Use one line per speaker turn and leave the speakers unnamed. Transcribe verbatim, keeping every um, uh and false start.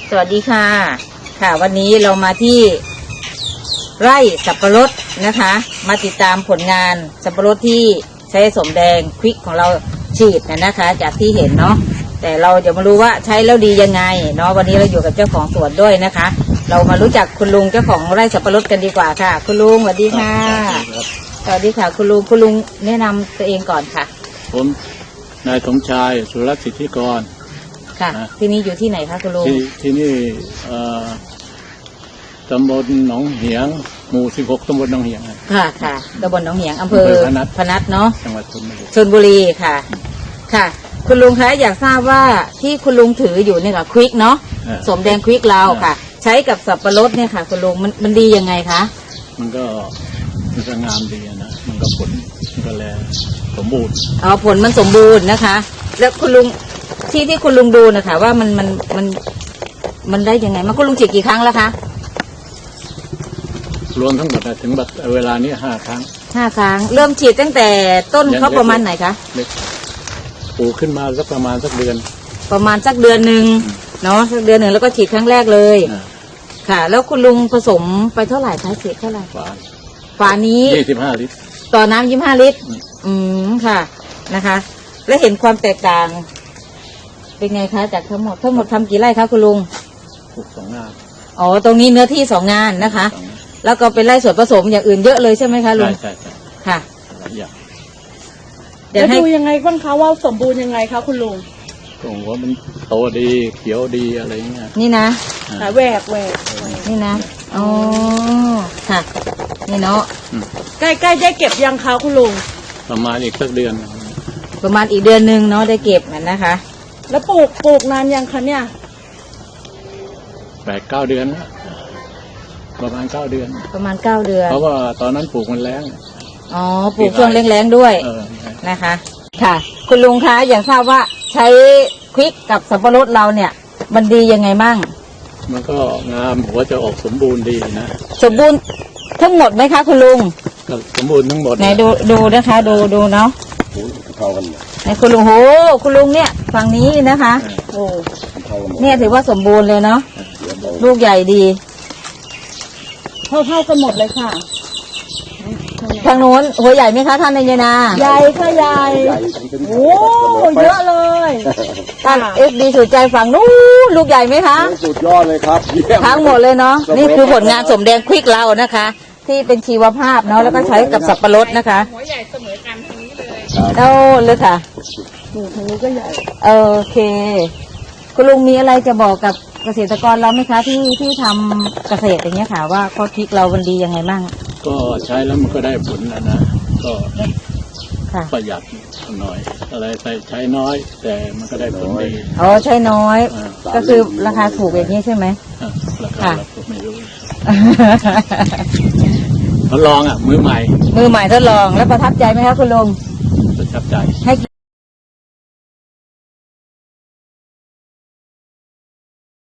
สวัสดีค่ะค่ะวันนี้เรามาที่ไร่สับปะรดนะคะ มาติดตามผลงานสับปะรดที่ใช้สมแดงควิกของเราฉีดนะนะคะ จากที่เห็นเนาะแต่เราจะมารู้ว่าใช้แล้วดียังไงเนาะวันนี้เราอยู่กับเจ้าของสวนด้วยนะคะ เรามารู้จักคุณลุงเจ้าของไร่สับปะรดกันดีกว่าค่ะคุณลุงสวัสดีค่ะสวัสดีค่ะคุณลุงคุณลุงแนะนำตัวเองก่อนค่ะ
ผมนายสมชายสุรสิทธิกร
ค่ะที่นี่อยู่ที่ไหนคะคุณลุง
ที่ที่นี่ตำบลหนองเหียงหมู่สิบหกตำบลหนองเหียง
ค่ะค่ะตำบลหนองเหียงอำเภอพนัสพนัสเนาะ
จังหวัดชลบุรี
ชลบุรีค่ะค่ะคุณลุงคะอยากทราบว่าที่คุณลุงถืออยู่เนี่ยค่ะควิกเนาะสมแดงควิกเราค่ะใช้กับสับปะรดเนี่ยค่ะคุณลุงมันมันดียังไงคะ
มันก็มันก็งามดีนะมันก็ผลมันก็แลสมบูรณ์
อ๋อผลมันสมบูรณ์นะคะแล้วคุณลุงที่ที่คุณลุงดูนะคะว่ามันมันมันมันได้ยังไงมาคุณลุงฉีดกี่ครั้งแล้วคะ
รวมทั้งหมดถึงแบบเวลานี้ห้าครั้ง
ห้าครั้งเริ่มฉีดตั้งแต่ต้นเขาประมาณไหนคะ
ปลูกขึ้นมาสักประมาณสักเดือน
ประมาณสักเดือนหนึ่งเนาะสักเดือนหนึ่งแล้วก็ฉีดครั้งแรกเลยค่ะแล้วคุณลุงผสมไปเท่าไหร่คะฉีดเท่าไหร่ฝาฝานี้
ยี่สิบห้าลิตร
ต่อน้ำยี่สิบห้าลิตรอืมค่ะนะคะแล้วเห็นความแตกต่างเป็นไงคะจากทั้งหมดทั้งหมดทำกี่ไร่คะคุณลุง
ปลูกสองงาน
อ๋อตรงนี้เนื้อที่สองงานนะคะแล้วก็เป็นไร่ส่วนผสมอย่างอื่นเยอะเลยใช่ไหมคะลุง
ใช่ใช่
ค่ะ
เดี๋ยวดูยังไงบ้างคะว่าสมบูรณ์ยังไงคะคุณลุง
ก็ว่ามันโตดีเขียวดีอะไรเงี้ย
นี่นะ
แหวกแหวก
นี่นะอ๋อค่ะนี่เนาะ
ใกล้ใกล้ได้เก็บยังคะคุณลุง
ประมาณอีกสักเดือน
ประมาณอีกเดือนหนึ่งเนาะได้เก็บมันนะคะ
แล้วปลูกปลูกนานยังคะเนี่ย
แปดเก้าเดือนนะประมาณเก้าเดือน
ประมาณเก้าเดือน
เพราะว่าตอนนั้นปลูกมันแล้ง
อ๋อปลูกช่วงแรงๆด้วยนะคะค่ะคุณลุงคะอย่างทราบว่าใช้ควิกกับสับปะรดเราเนี่ยมันดียังไงมั่ง
มันก็งามหัวจะออกสมบูรณ์ดีนะ
สมบูรณ์ทั้งหมดไหมคะคุณลุง
ก็สมบูรณ์ทั้งหมด
ไหนดูดูนะคะดูดูเนาะ
เท่ากัน
ไหนคุณลุงโหคุณลุงเนี่ยฝั่งนี้นะคะโอ้เนี่ยถือว่าสมบูรณ์เลยเนาะลูกใหญ่ดี
เท่าเท่ากันหมดเลยค่ะ
ทางโน้นหัวใหญ่ไหมคะท่านนายนา
ใหญ่ค่ะใหญ่โอ้เยอะเลย
ท่านเอฟดีสุดใจฝั่งนู้นลูกใหญ่ไหมคะ
สุดยอดเลยครับ
ทั้งหมดเลยเนาะนี่คือผลงานสมแดงควิกเรานะคะที่เป็นชีวภาพเนาะแล้วก็ใช้กับสับปะรดนะคะ
หัวใหญ่เสมอกันทางนี้เลย
โอ้เลยค่ะ
ทางนี้ก็ใหญ่
โอเคคุณลุงมีอะไรจะบอกกับเกษตรกรเราไหมคะที่ที่ทำเกษตรอย่างเงี้ยค่ะว่าข้อคิดเรามันดียังไงบ้าง
ก็ใช้แล้วมันก็ได้ผลนะนะก็ประหยัดหน่อยอะไรใส่ใช้น้อยแต่มันก็ได้ผลดี
อ๋อใช้น้อยก็คือราคาถูกอย่างนี้ใช่ไหม
ราคาเราไม่รู้ทดลองอ่ะมือใหม่
มือใหม่ทดลองแล้วประทับใจไหมคะคุณลุง
ประทับใจ
ให้กี่